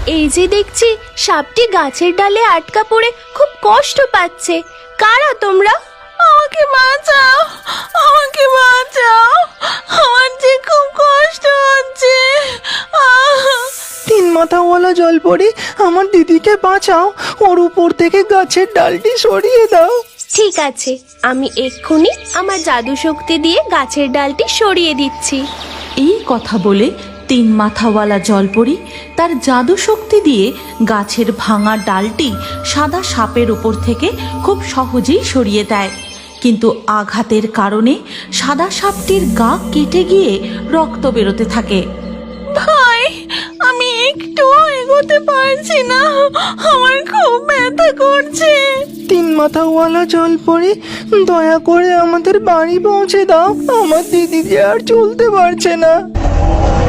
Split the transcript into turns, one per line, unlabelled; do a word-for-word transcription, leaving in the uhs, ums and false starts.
এই যে দেখছি সাপটি গাছের ডালে আটকা পড়ে খুব কষ্ট পাচ্ছে। কারা তোমরা? আমাকে বাঁচাও, আমাকে বাঁচাও, আমার যে খুব কষ্ট হচ্ছে।
তিন মাথাওয়ালা জলপরি, আমার দিদিকে বাঁচাও, ওর উপর থেকে গাছের ডালটি সরিয়ে দাও।
ঠিক আছে, আমি এক্ষুনি আমার জাদু শক্তি দিয়ে গাছের ডালটি সরিয়ে দিচ্ছি।
এই কথা বলে তিন মাথাওয়ালা জলপরি তার জাদু শক্তি দিয়ে গাছের ভাঙা ডালটি সাদা সাপের উপর থেকে খুব সহজেই সরিয়ে দেয়। কিন্তু আঘাতের কারণে সাদা সাপটির গা কেটে গিয়ে রক্ত বেরোতে থাকে।
ভাই, আমি একটু এগোতে পারছি না, আমার খুব ব্যথা করছে।
তিন মাথাওয়ালা জলপরি, দয়া করে আমাদের বাড়ি পৌঁছে দাও, আমার দিদি যে আর চলতে পারছে না।